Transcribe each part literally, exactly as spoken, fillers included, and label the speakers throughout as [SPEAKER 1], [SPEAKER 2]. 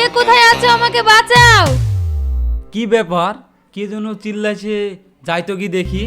[SPEAKER 1] কোথায় আছো? আমাকে বাঁচাও।
[SPEAKER 2] কি ব্যাপার? কে যেন চিল্লাছে, যাই তো কি দেখি।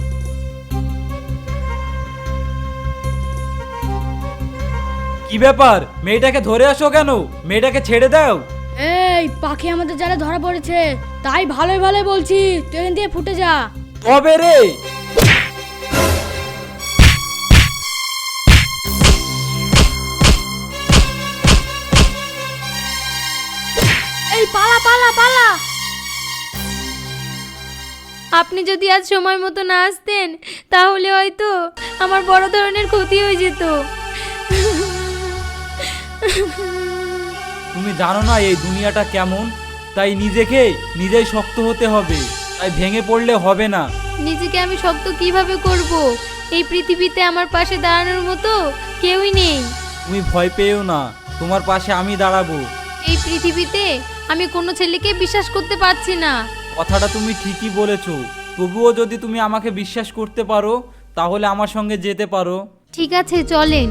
[SPEAKER 2] কি ব্যাপার? মেয়েটাকে ধরে আসো কেন? মেয়েটাকে ছেড়ে দাও।
[SPEAKER 3] এই পাখি আমাদের জালে ধরা পড়েছে, তাই ভালোই ভালোই বলছি, তুই এখান থেকে ফুটে যা।
[SPEAKER 2] তবে রে,
[SPEAKER 3] এই পালা পালা পালা।
[SPEAKER 1] আপনি যদি আজ সময় মতো না আসতেন তাহলে হয়তো আমার বড় ধরনের ক্ষতি হয়ে যেত।
[SPEAKER 2] তুমি জানো না এই দুনিয়াটা কেমন, তাই নিজেকে নিজেই শক্ত হতে হবে, তাই ভেঙে পড়লে হবে না।
[SPEAKER 1] নিজেকে আমি শক্ত কিভাবে করব? এই পৃথিবীতে আমার পাশে দাঁড়ানোর মতো কেউই নেই।
[SPEAKER 2] তুমি ভয় পেও না, তোমার পাশে আমি দাঁড়াবো।
[SPEAKER 1] এই পৃথিবীতে আমি কোনো ছেলেকে বিশ্বাস করতে পারছি না।
[SPEAKER 2] কথাটা তুমি ঠিকই বলেছো, তবুও যদি তুমি আমাকে বিশ্বাস করতে পারো তাহলে আমার সঙ্গে যেতে পারো।
[SPEAKER 1] ঠিক আছে, চলেন।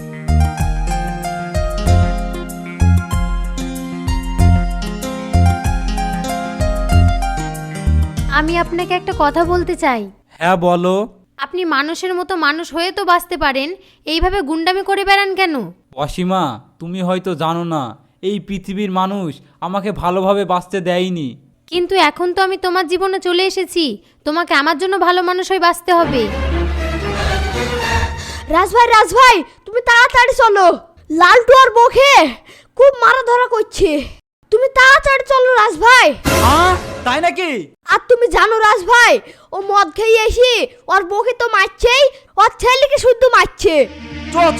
[SPEAKER 1] আমি আপনাকে একটা কথা বলতে চাই।
[SPEAKER 2] হ্যাঁ বলো।
[SPEAKER 1] আপনি মানুষের মতো মানুষ হয়ে তো বাঁচতে পারেন, এইভাবে গুন্ডামি করে বেড়ান কেন?
[SPEAKER 2] অসীমা, তুমি হয়তো জানো না এই পৃথিবীর মানুষ আমাকে ভালোভাবে বাঁচতে দেয়নি।
[SPEAKER 1] কিন্তু এখন তো আমি তোমার জীবনে চলে এসেছি, তোমাকে আমার জন্য ভালো মানুষ হয়ে বাঁচতে হবে।
[SPEAKER 3] রাজভাই রাজভাই তুমি তাড়াতাড়ি চলো, লালটু আর বউকে খুব মারা ধরা করছে। তুমি তাড়াতাড়ি চলো রাজভাই।
[SPEAKER 2] হ্যাঁ তাই নাকি?
[SPEAKER 3] আর তুমি জানো রাজভাই, ও মদ খেয়ে এসে ওর বউকে তো মারছেই, ওর ছেলেকে শুদ্ধ মারছে।
[SPEAKER 2] চ চ।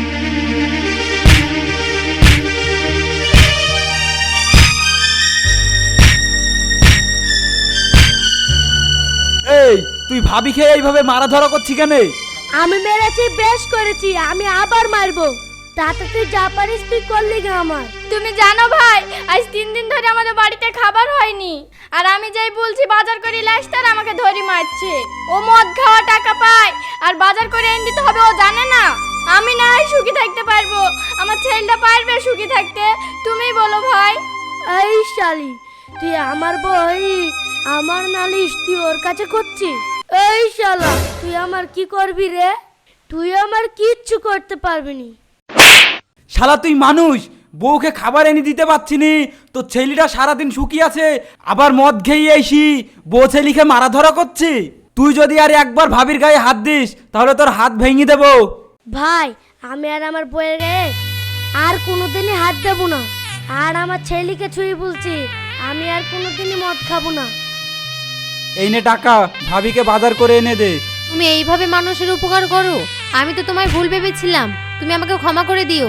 [SPEAKER 2] এই তুই ভাবি খেয়ে এইভাবে মারা ধরা করছি কেন?
[SPEAKER 3] আমি মেরেছি, বেশ করেছি, আমি আবার মারবো। তাতে তুই যা পারিস তুই করলি গা আমার।
[SPEAKER 4] তুমি জানো ভাই, আজ তিন দিন ধরে আমাদের বাড়িতে খাবার হয়নি, আর আমি যাই বলছি বাজার করে লাস, তার আমাকে ধরি মারছে। ও মদ খাওয়া টাকা পায় আর বাজার করে এনে দিতে হবে, ও জানে না। আমি না হয় সুখী থাকতে পারবো, আমার ছেলেটা পারবে সুখী থাকতে? তুমি বলো ভাই।
[SPEAKER 3] এই শালি, তুই আমার বই আমার নালিশ তুই ওর কাছে করছিস? এই শালা, তুই আমার কি করবি রে? তুই আমার কিচ্ছু করতে পারবি নি।
[SPEAKER 2] শালা তুই মানুষ, বউকে খাবার এনে দিতে পারছি নি, তো ছেলেটা সারাদিন শুকিয়ে আছে, আবার মদ খেয়ে এসি বউ ছেলেকে মারা ধরা করছি। তুই যদি আর একবার ভাবির গায়ে হাত দিস তাহলে তোর হাত ভেঙে দেবো।
[SPEAKER 3] ভাই, আমি আর আমার বইয়ের আর কোনোদিনই হাত দেবো না, আর আমার ছেলেকে ছুঁয়ে বলছি আমি আর কোনোদিনই মদ খাবো না।
[SPEAKER 2] এই নে টাকা, ভাবিকে বাজার করে এনে দে।
[SPEAKER 1] তুমি এইভাবে মানুষের উপকার করো? আমি তো তোমায় ভুল ভেবেছিলাম, তুমি আমাকে ক্ষমা করে দিও।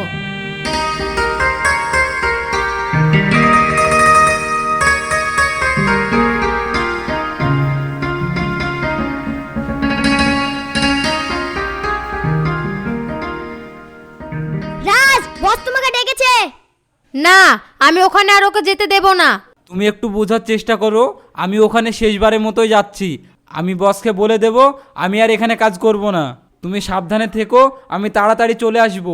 [SPEAKER 3] রাজ, বস তোমাকে ডেকেছে।
[SPEAKER 1] না, আমি ওখানে আর ওকে যেতে দেব না।
[SPEAKER 2] তুমি একটু বোঝার চেষ্টা করো, আমি ওখানে শেষবারের মতোই যাচ্ছি। আমি বসকে বলে দেব আমি আর এখানে কাজ করব না। তুমি সাবধানে থেকো, আমি তাড়াতাড়ি চলে আসব।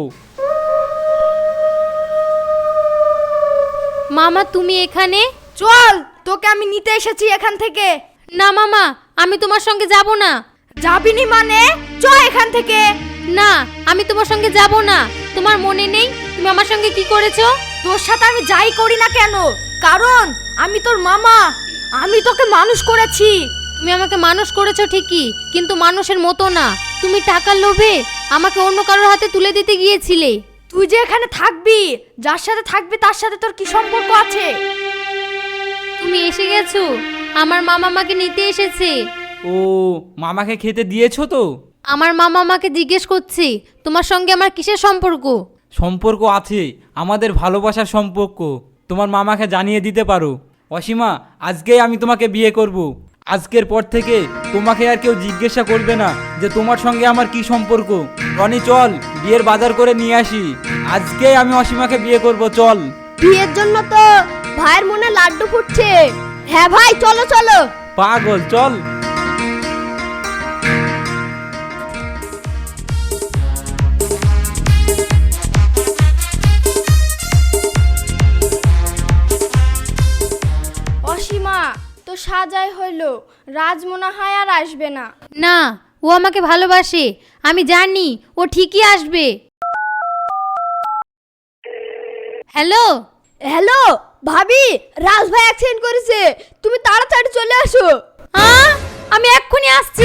[SPEAKER 1] মামা তুমি এখানে?
[SPEAKER 4] চল, তোকে আমি নিতে এসেছি এখান থেকে।
[SPEAKER 1] না মামা, আমি তোমার সঙ্গে যাব না।
[SPEAKER 4] যাবিনি মানে? চ এখান থেকে।
[SPEAKER 1] না, আমি তোমার সঙ্গে যাব না। তোমার মনে নেই তুমি আমার সঙ্গে কি করেছো?
[SPEAKER 4] তোর সাথে আমি যাই করি না কেন, কারণ আমি তোর মামা, আমি তোকে মানুষ করেছি।
[SPEAKER 1] তুমি আমাকে মানুষ করেছো ঠিকই, কিন্তু মানুষের মতো না। তুমি টাকার লোভে আমাকে অন্য কারোর হাতে তুলে দিতে গিয়েছিলে।
[SPEAKER 4] তুই যে এখানে থাকবি, যার সাথে থাকবি তার সাথে তোর কি সম্পর্ক আছে?
[SPEAKER 1] তুমি এসে গেছো, আমার মামা আমাকে নিতে এসেছে।
[SPEAKER 2] ও, মামাকে খেতে দিয়েছো তো?
[SPEAKER 1] আমার মামা আমাকে জিজ্ঞেস করছে তোমার সঙ্গে আমার কিসের সম্পর্ক।
[SPEAKER 2] সম্পর্ক আছে, আমাদের ভালোবাসার সম্পর্ক। তোমার মামাকে জানিয়ে দিতে পারো। অসীমা, আজকেই আমি তোমাকে বিয়ে করব। আজকের পর থেকে তোমাকে আর কেউ জিজ্ঞাসা করবে না যে তোমার সঙ্গে আমার কি সম্পর্ক। রনি চল, বিয়ের বাজার করে নিয়ে আসি। আজকেই আমি অসীমাকে বিয়ে করব, চল।
[SPEAKER 3] বিয়ের জন্য তো ভাইয়ের মনে লাড্ডু ফুটছে। হ্যাঁ ভাই, চলো চলো।
[SPEAKER 2] পাগল, চল।
[SPEAKER 4] তো সাজাই হইল, রাজ মনে হয় আর আসবে না।
[SPEAKER 1] না, ও আমাকে ভালোবাসে, আমি জানি ও ঠিকই আসবে। হ্যালো
[SPEAKER 3] হ্যালো ভাবি, রাজ ভাই অ্যাক্সিডেন্ট করেছে, তুমি তাড়াতাড়ি চলে আসো।
[SPEAKER 1] হ্যাঁ, আমি এক্ষুনি আসছি।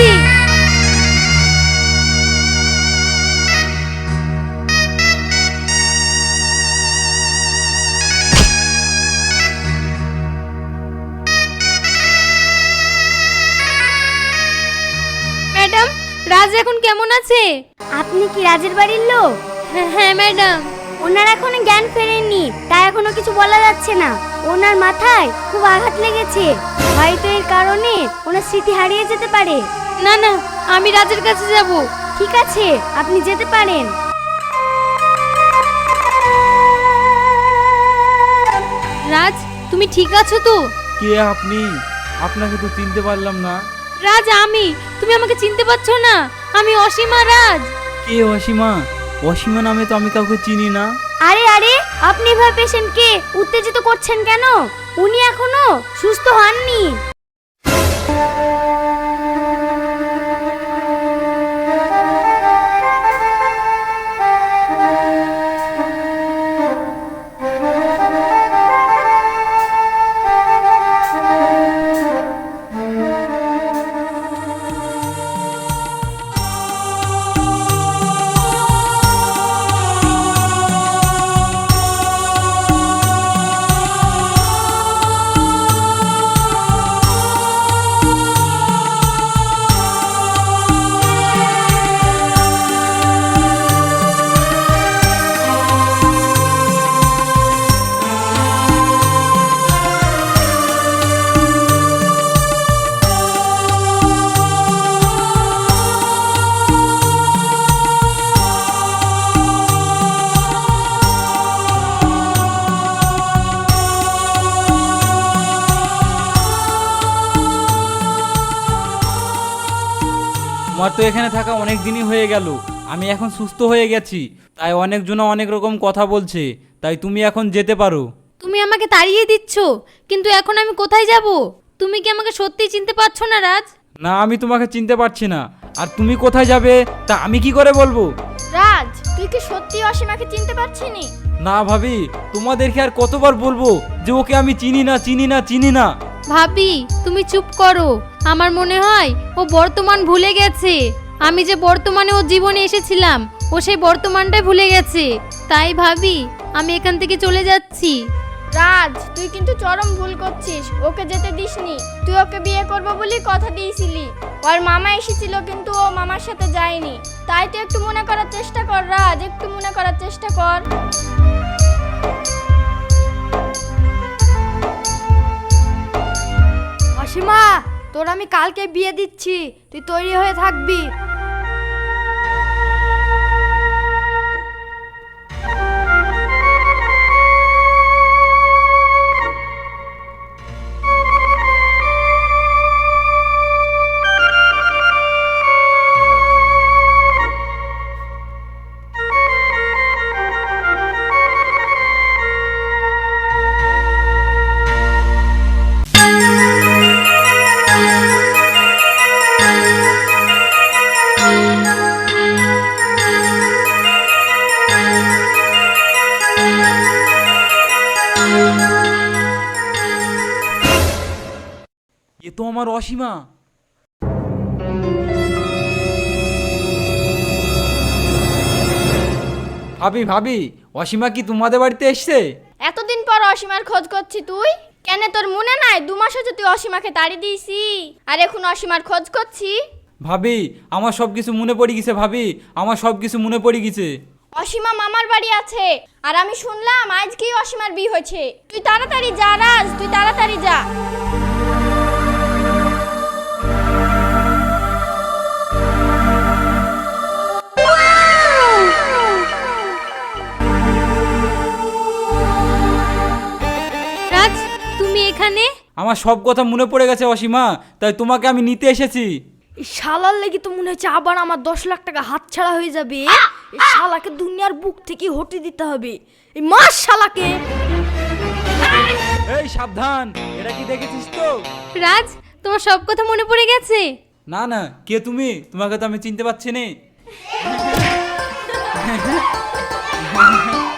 [SPEAKER 1] ম্যাডাম, রাজ এখন কেমন আছে?
[SPEAKER 3] আপনি কি রাজের বাড়ির লোক?
[SPEAKER 1] হ্যাঁ হ্যাঁ ম্যাডাম।
[SPEAKER 3] ওনার এখনো জ্ঞান ফেরেননি, তাই এখনো কিছু বলা যাচ্ছে না। ওনার মাথায় খুব আঘাত লেগেছে, হয়তো এর কারণে ওনার স্মৃতি হারিয়ে যেতে পারে।
[SPEAKER 1] না না, আমি রাজের কাছে যাব।
[SPEAKER 3] ঠিক আছে, আপনি যেতে পারেন।
[SPEAKER 1] রাজ, তুমি ঠিক আছো তো?
[SPEAKER 2] কে আপনি? আপনাকে তো চিনতে পারলাম না।
[SPEAKER 1] রাজ আমি, তুমি আমাকে চিনতে পারছো না? আমি অসীমা রাজ।
[SPEAKER 2] কে অসীমা? অসীমা নামে তো আমি কাউকে চিনি না।
[SPEAKER 3] আরে আরে, আপনি এভাবে পেশেন্টকে উত্তেজিত করছেন কেন? উনি এখনো সুস্থ হননি।
[SPEAKER 2] তোমার তো এখানে থাকা অনেক দিনই হয়ে গেল, আমি এখন সুস্থ হয়ে গেছি, তাই অনেকজন অনেক রকম কথা বলছে, তাই তুমি এখন যেতে পারো।
[SPEAKER 1] তুমি আমাকে তাড়িয়ে দিচ্ছ, কিন্তু এখন আমি কোথায় যাব? তুমি কি আমাকে সত্যিই চিনতে পারছো না রাজ?
[SPEAKER 2] না, আমি তোমাকে চিনতে পারছি না, আর তুমি কোথায় যাবে তা আমি কি করে বলবো?
[SPEAKER 4] রাজ, তুই কি সত্যি অসীমাকে চিনতে পারছিনি?
[SPEAKER 2] না ভাবি, তোমাদেরকে আর কতবার বলবো যে ওকে আমি চিনি না চিনি না চিনি না।
[SPEAKER 1] ভাবি, তুমি চুপ করো। আমার মনে হয় ও বর্তমান ভুলে গেছে। আমি যে বর্তমানে ওর জীবনে এসেছিলাম, ও সেই বর্তমানটাই ভুলে গেছে। তাই ভাবি, আমি এখান থেকে চলে যাচ্ছি।
[SPEAKER 4] রাজ, তুই কিন্তু চরম ভুল করছিস, ওকে যেতে দিসনি। তুই ওকে বিয়ে করবো বলে কথা দিয়েছিলি। ওর মামা এসেছিল, কিন্তু ও মামার সাথে যায়নি। তাই তুই একটু মনে করার চেষ্টা কর রাজ, একটু মনে করার চেষ্টা কর।
[SPEAKER 3] অসীমা, তোর আমি কালকে বিয়ে দিচ্ছি, তুই তৈরি হয়ে থাকবি।
[SPEAKER 2] এ তো আমার অসীমা। ভাবি ভাবি, অসীমা কি তোমাদের বাড়িতে এসছে?
[SPEAKER 4] এতদিন পর অসীমার খোঁজ করছি তুই? কেন তোর মনে নাই দু মাস হচ্ছে তুই অসীমাকে তাড়ি দিয়েছি, আর এখন অসীমার খোঁজ করছি?
[SPEAKER 2] ভাবি, আমার সব কিছু মনে পড়ে গেছে ভাবি, আমার সব কিছু মনে পড়ে গেছে।
[SPEAKER 4] অসীমা মামার বাড়ি আছে, আর আমি শুনলাম আজকেই অসীমার বিয়ে হয়েছে। তুই তাড়াতাড়ি যা রাজ, তুই তাড়াতাড়ি যা।
[SPEAKER 1] রাজ, তুমি এখানে?
[SPEAKER 2] আমার সব কথা মনে পড়ে গেছে অসীমা, তাই তোমাকে আমি নিতে এসেছি।
[SPEAKER 3] এই শালার লেগে তো মনে হচ্ছে আবার আমার দশ লাখ টাকা হাতছাড়া হয়ে যাবে। এই শালাকে দুনিয়ার বুক থেকে হটে দিতে হবে, এই মাস শালাকে।
[SPEAKER 2] এই সাবধান, এটা কি দেখেছিস তো?
[SPEAKER 1] রাজ, তোমার সব কথা মনে পড়ে গেছে?
[SPEAKER 2] না না, কে তুমি? তোমাকে তো আমি চিনতে পারছি না।